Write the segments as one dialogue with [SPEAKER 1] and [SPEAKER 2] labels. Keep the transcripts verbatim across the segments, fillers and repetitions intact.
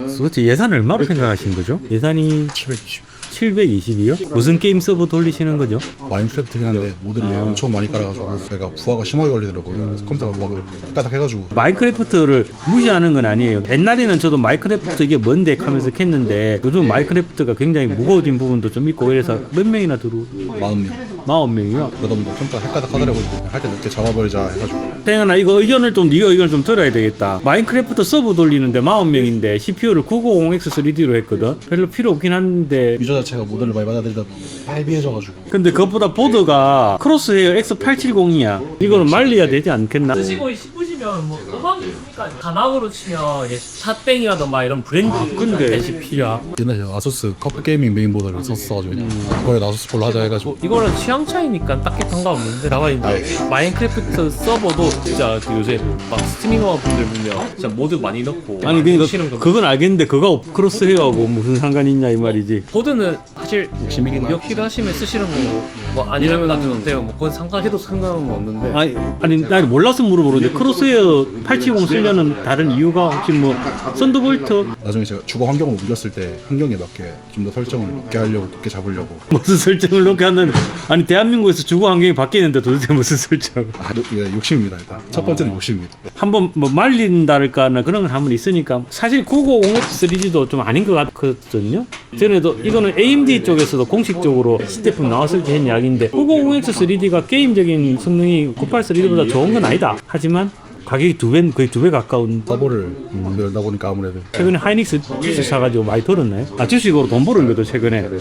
[SPEAKER 1] 도대체 예산 얼마로 생각하신 거죠? 예산이
[SPEAKER 2] 칠백이십.
[SPEAKER 1] 칠백이십이요? 무슨 게임 서버 돌리시는 거죠?
[SPEAKER 2] 마인크래프트긴 한데 모듈이 엄청 많이 깔아가지고 제가 부하가 심하게 걸리더라고요. 그래서 컴퓨터가 막 까닥해가지고.
[SPEAKER 1] 마인크래프트를 무시하는 건 아니에요. 옛날에는 저도 마인크래프트 이게 뭔데 하면서 했는데 요즘 마인크래프트가 굉장히 무거워진 부분도 좀 있고 그래서 몇 명이나 들어오?
[SPEAKER 2] 마흔 명.
[SPEAKER 1] 마흔 명이요?
[SPEAKER 2] 그러다 보니까 컴퓨터가 헷가닥 하더라고요. 할 때 늦게 잡아버리자 해가지고.
[SPEAKER 1] 태연아 이거 의견을 좀 네가 의견을 좀 들어야 되겠다. 마인크래프트 서버 돌리는데 마흔 명인데 씨피유를 구백오십 엑스 쓰리디로 했거든. 별로 필요 없긴 한데
[SPEAKER 2] 유저 자체가 모델을 많이 받아들이다 헤비해져가지고.
[SPEAKER 1] 근데 그것보다 보드가 크로스헤어 엑스 팔백칠십이야. 이거는 말려야 되지 않겠나?
[SPEAKER 3] 쓰시고 싶으시면 뭐 음악이 있으니까 가나으로 치면 이제 샷땡이라던가 이런 브랜드
[SPEAKER 1] 근데
[SPEAKER 3] 씨피유야.
[SPEAKER 2] 옛날에 아수스 컵 게이밍 메인보드를 썼어가지고 그거에 아수스 걸로 하자 해가지고.
[SPEAKER 3] 이거는 취향 차이니까 딱히 상관없는데 다만 이제 마인크래프트 서버도 진짜 그 요새 막 스트리머 분들 보면 진짜 모드 많이 넣고
[SPEAKER 1] 아니 그러니까
[SPEAKER 3] 치는 거.
[SPEAKER 1] 그건 알겠는데 그거 크로스헤어하고 무슨 상관이 있냐 이 말이지.
[SPEAKER 3] 보드는 사실 욕심이긴 몇 필요하시면 쓰시는 거고 뭐 아니라면 놔두면 돼요. 뭐 그건 상관해도 상관은 없는데.
[SPEAKER 1] 아니 아니 나 몰라서 물어보는데 크로스헤어 팔백칠십 쓰려는 다른 이유가 혹시 뭐 썬더볼트
[SPEAKER 2] 나중에 제가 주거 환경을 옮겼을 때 환경에 맞게 좀 더 설정을 높게 하려고 높게 잡으려고.
[SPEAKER 1] 무슨 설정을 놓게 하는 아니 대한민국에서 주거 환경이 바뀌는데 도대체 무슨 설정?
[SPEAKER 2] 아, 예, 욕심입니다 일단. 첫 번째는 욕심입니다.
[SPEAKER 1] 한번 뭐 말린다랄까나 그런 건 한번 있으니까 사실 구백오십 엑스 쓰리디도 좀 아닌 것 같거든요. 전에도 이거는 에이엠디 쪽에서도 공식적으로 시제품 나왔을 때 한 이야기인데 구백오십 엑스 쓰리디가 게임적인 성능이 구백팔 쓰리디보다 좋은 건 아니다. 하지만 가격이 두 배, 거의 두 배 가까운.
[SPEAKER 2] 서버를 음, 열다 보니까 아무래도.
[SPEAKER 1] 최근에 하이닉스 주식 사가지고 많이 벌었나요? 아 주식으로 돈 버는 거도 최근에.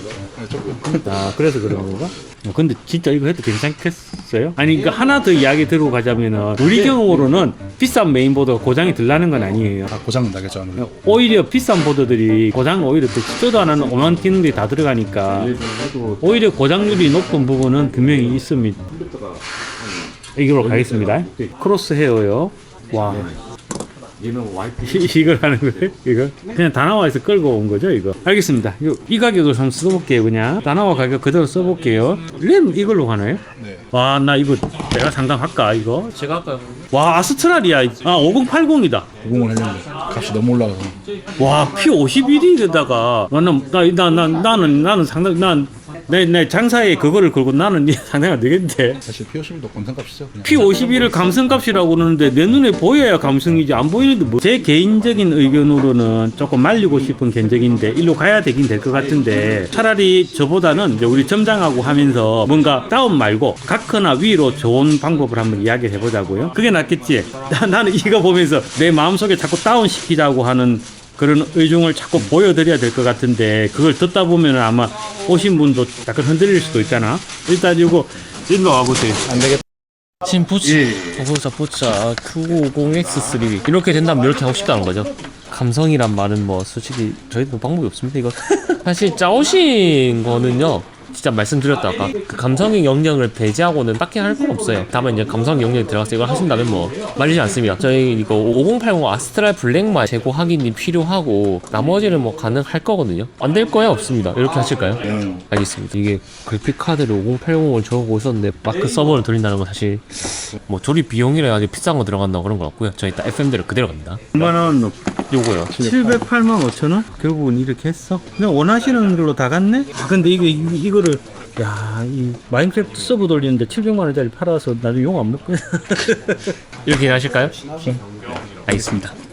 [SPEAKER 1] 아 그래서 그런 건가? 어, 근데 진짜 이거 해도 괜찮겠어요? 아니 그 하나 더 이야기 들고 가자면은 우리 경우로는 비싼 메인보드가 고장이 덜 나는 건 아니에요.
[SPEAKER 2] 다 고장은 나겠죠 아무래도.
[SPEAKER 1] 오히려 비싼 보드들이 고장 오히려 더 쓰지도 않은 오만 기능들이 다 들어가니까 오히려 고장률이 높은 부분은 분명히 있습니다. 이걸로 가겠습니다. 크로스 헤어요. 와. 얘는 와이프 이걸 하는 거예요? 이거 그냥 다나와에서 끌고 온 거죠 이거. 알겠습니다. 이, 이 가격을 한번 써볼게요. 그냥 다나와 가격 그대로 써볼게요. 램 이걸로 가나요?
[SPEAKER 2] 네.
[SPEAKER 1] 와 나 이거 내가 상담할까 이거?
[SPEAKER 3] 제가 아까
[SPEAKER 1] 와 아스트랄이야. 아 오공팔공이다.
[SPEAKER 2] 오공을 했는데 값이 너무 올라가서.
[SPEAKER 1] 와 피 오십일에다가 나는 나, 나, 나, 나는 나는 상당 난 내, 내 장사에 그거를 걸고 나는 상당히 안 되겠는데.
[SPEAKER 2] 사실 피오십일도 감성값이죠. 그냥.
[SPEAKER 1] 피 오십일을 감성값이라고 그러는데 내 눈에 보여야 감성이지 안 보이는데 뭐. 제 개인적인 의견으로는 조금 말리고 싶은 견적인데 일로 가야 되긴 될 것 같은데 차라리 저보다는 이제 우리 점장하고 하면서 뭔가 다운 말고 각하나 위로 좋은 방법을 한번 이야기를 해보자고요. 그게 낫겠지. 나, 나는 이거 보면서 내 마음속에 자꾸 다운 시키자고 하는 그런 의중을 자꾸 보여드려야 될 것 같은데 그걸 듣다 보면 아마 오신 분도 약간 흔들릴 수도 있잖아. 일단 이거 일로 와보세요.
[SPEAKER 2] 안 되겠다.
[SPEAKER 3] 지금 보자 보자 보자 구백오십 엑스 쓰리 이렇게 된다면 이렇게 하고 싶다는 거죠. 감성이란 말은 뭐 솔직히 저희도 방법이 없습니다. 이거 사실 짜오신 거는요 진짜 말씀드렸다 아까 그 감성의 영역을 배제하고는 딱히 할 건 없어요. 다만 이제 감성 영역이 들어가서 이걸 하신다면 뭐 말리지 않습니다. 저희 이거 오공팔공 아스트랄 블랙만 재고 확인이 필요하고 나머지는 뭐 가능할 거거든요. 안 될 거야 없습니다. 이렇게 하실까요?
[SPEAKER 2] 음.
[SPEAKER 3] 알겠습니다. 이게 그래픽 카드를 오공팔공을 적고 있었는데 마크 서버를 돌린다는 건 사실 뭐 조립 비용이라 아주 비싼 거 들어간다고 그런 건 없고요. 저희 딱 에프엠대로 그대로 갑니다.
[SPEAKER 1] 얼마나
[SPEAKER 3] 요거요.
[SPEAKER 1] 칠백팔만 오천 원? 결국은 이렇게 했어? 그냥 원하시는 걸로 다 갔네? 아, 근데 이거, 이거, 이거를, 야, 이 마인크래프트 서버 돌리는데 칠백만 원짜리 팔아서 나중에 욕 안 먹고.
[SPEAKER 3] 이렇게 하실까요? 알겠습니다.